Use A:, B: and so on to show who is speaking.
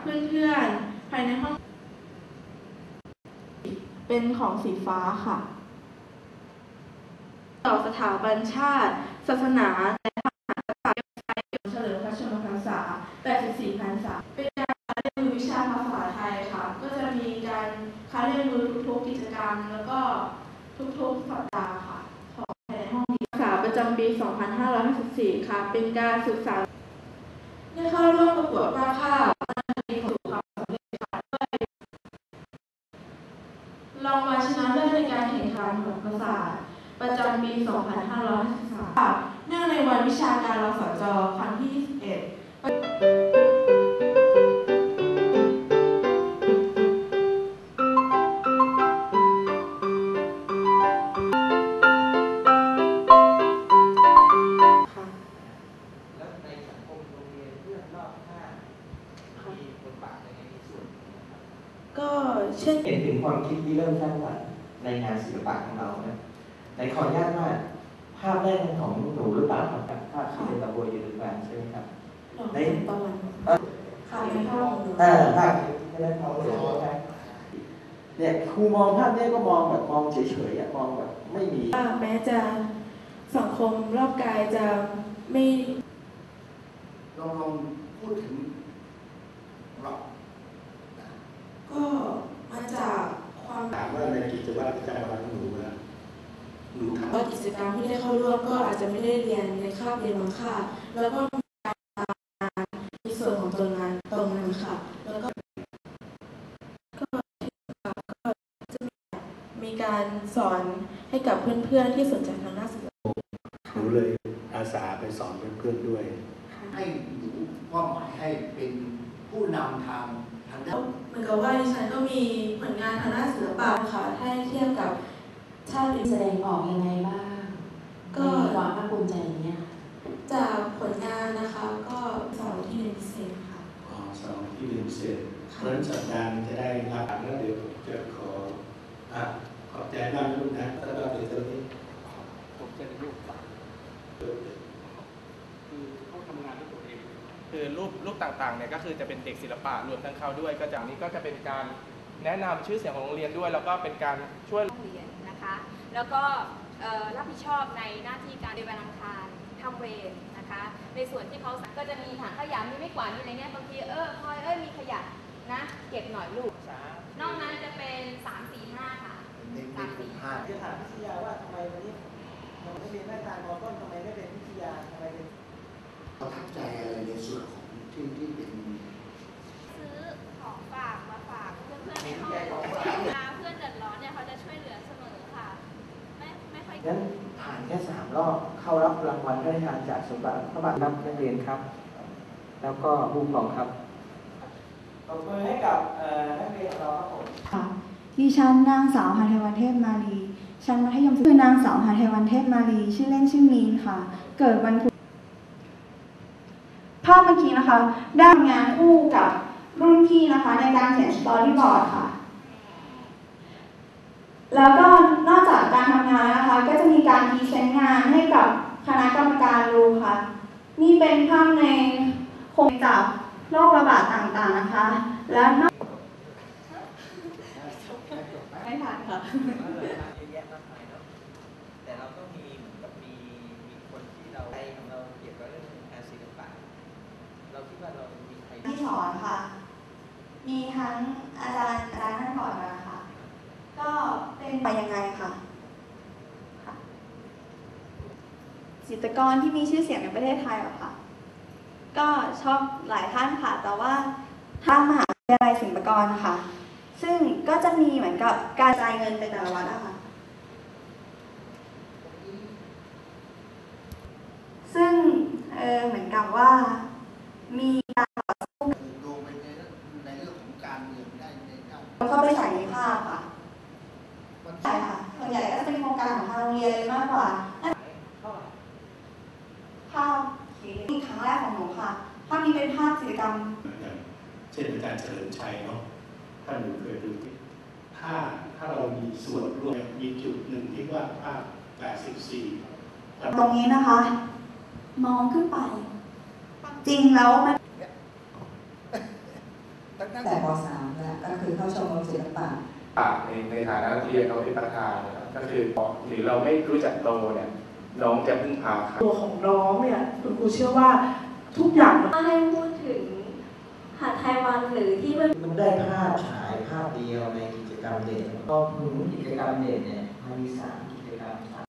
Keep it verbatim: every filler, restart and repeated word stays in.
A: เพื่อนๆภายในห้องเป็นของสีฟ้าค่ะต่อสถาบันชาติศาสนาและพระมหากษัตริย์เฉลิมพระชนมพรรษาแปดสิบสี่พรรษาเป็นการเรียนรู้วิชาภาษาไทยค่ะก็จะมีการค้าเรียนรู้ทุกๆกิจกรรมแล้วก็ทุกๆสัปดาห์ค่ะของในห้องศึกษาประจำปี สองพันห้าร้อยห้าสิบสี่ ค่ะเป็นการศึกษาได้เข้าร่วมประกวดวาดภาพมีประสบความสำเร็จค่ะด้วยรางวัลชนะเลิศในการแข่งขันโหราศาสตร์ประจำปี สองพันห้าร้อยห้าสิบสาม เนื่องในวันวิชาการรสจ.ครั้งที่ยี่สิบเอ็ด
B: แล้วในสังคมโรงเรียนเพื่อนรอบข้างมีบทบาทในในส่วนนี้นะครับ
A: ก็เช่น
B: เห็นถึงความคิดที่เริ่มสร้างสรรค์ในงานศิลปะของเรานะในขออนุญาตว่าภาพแรกของหนูหรือเปล่าครับภาพที่เป็นตะโบยอยู่หรือเปล่าใช่ไหมครับ
A: ในตะวันค่ะในห้อง
B: เออภาพที่ได้เขาเห็นไหมเนี่ยครูมองภาพนี้ก็มองแบบมองเฉยๆมองแบบไม่มี
A: แม้จะสังคมรอบกายจะไม่
C: ลองลองพูดถึงเรา
A: ก็มาจากความ
C: ถามว่าในกิจวัตรประจำวันของหนูนะหนูทำ
A: ว่ากิจกรรมที่ได้เข้าร่วมก็อาจจะไม่ได้เรียนในคาบเรียนบางคาบแล้วก็มีการในส่วนของตัวงานตรงนั้นค่ะแล้วก็ก็จะมีการสอนให้กับเพื่อนๆที่สนใจทางด้านศิลปะ
C: หนูเลยอาสาไปสอนเพื่อนๆด้วย
D: ให้หนูมอบหมายให้เป็นผู้นำทางทางด้าน
A: เหมือนกับว่าดิฉันก็มีผลงานทางด้านศิลปะค่ะถ้าเทียบกับชาติ
E: แสดงออกยังไงบ้างก็ความภาคภูมิใจอย่างเงี้ย
A: จากผลงานนะคะก็สอนที่เรียนพิเศษค่ะ
C: อ๋อสอนที่เรียนพิเศษเพราะฉะนั้นสัปดาห์จะได้รับแล้วเดี๋ยวจะขออ่ะขอบใจมากลูกนะแล้วก็เดี๋ยวตอนนี้
F: ผมจะได้รูปต่างคือเขาทำงานด้วยตัวเองคือรูปรูปต่างๆเนี่ยก็คือจะเป็นเด็กศิลปะรวมทั้งเขาด้วยก็จากนี้ก็จะเป็นการแนะนำชื่อเสียงของโรงเรียนด้วยแล้วก็เป็นการช่วย
G: โรงเรียนนะคะแล้วก็รับผิดชอบในหน้าที่การในวันอังคารทำเวรนะคะในส่วนที่เขาก็จะมีถังขยะมีไม่กวาดมีอะไรเงี้ยบางทีเออพลอยเอ้ยมีขยะนะเก็บหน่อยลูกนอกนั้นจะเป็นสามสี่ห้าค่ะ
B: สามสี่ห้าจะถามพิทยาว่าทำไมวันนี้เราไม่เรียนหน้าตามอต้นทำไมไม่เป็นพิทยาทำไมเป็น
D: ประทับใจอะไรในส่วนของที่ที่เป็น
G: ซื้อของฝากมาฝากเพื่อนๆในห้องเพื่อนเดือดร้อนเนี่ยเขาจะช่วยเหลือเสมอค่ะไม่ไม่ค่อย
B: งั้นผ่านแค่สามรอบเข้ารับรางวัลได้ทานจากสมบัติพระบาทรับนักเรียนครับแล้วก็ผู้ปกครองครับตบมือให้กับนักเรียนของเราครับผม
H: ค่ะดิฉันนางสาวหทัยวันเทพมาลีชั้นมัธยมศึกษานางสาวหทัยวันเทพมาลีชื่อเล่นชื่อมีนค่ะเกิดวันพุธภาพเมื่อกี้นะคะได้งานคู่กับรุ่นพี่นะคะในการเขียนสตอรี่บอร์ดค่ะแล้วก็นอกจากการทำงานนะคะก็จะมีการพรีเซนต์งานให้กับคณะกรรมการดูค่ะนี่เป็นภาพในโครงจากโรคระบาดต่างๆนะคะและนอกไม่ผ่านค่ะ
B: แต่เราก็มีเหมือนกับมีมีคนที่เราใจของเราเกี่ยวกับเรื่องงานศิลปะเราคิดว่าเรามีใคร
H: ที่สอนค่ะมีทั้งอาจารย์อาจารย์ท่านสอนมาค่ะก็เป็นไปยังไงค่ะจิตรกรที่มีชื่อเสียงในประเทศไทยหรอคะก็ชอบหลายท่านค่ะแต่ว่าทางมหาวิทยาลัยศิลปากรค่ะซึ่งก็จะมีเหมือนกับการจ่ายเงินไปแต่ละวัดนะคะซึ่งเออเหมือนกับว่ามีการต่อสู้
D: ลงไปในในเรื่องของการเมืองได้ในด้าน
H: เข้าไปใส่ในภาพค่ะใช่ค่ะส่วนใหญ่ก็จะเป็นโครงการของทางโรงเรียนมากกว่าภาพนี่ครั้งแรกของหนูค่ะภาพนี้เป็นภาพกิจกรรม
C: เช่นอาจารย์เฉลิมชัยเนาะถ้าหนูเคยดูถ้าถ้าเรามีส่วนร่วมมีจุดหนึ่งที่ว่าภาพแปดสิบสี่
H: ตรงนี้นะคะมองขึ้นไปจริงแล้วมัน
I: ตั้งแต่ป .สาม แล้วก็คือเข้าชมรมศิลปะ
F: ในในฐานะนักเรียนเราเป็นประธานนะครับก็คือหรือเราไม่รู้จักโตเนี่ยน้องจะพึ่งพาใคร
A: ตัวของน้องเนี่ยคุณครูเชื่อว่าทุกอย่างมัน
J: ให้พูดถึงหาดไทยวันหรือที่เพื่อน
B: มันได้ภาพฉายภาพเดียวในกิจกรรมเด่นก็หนุนกิจกรรมเด่นเนี่ยมันมีสามกิจกรรม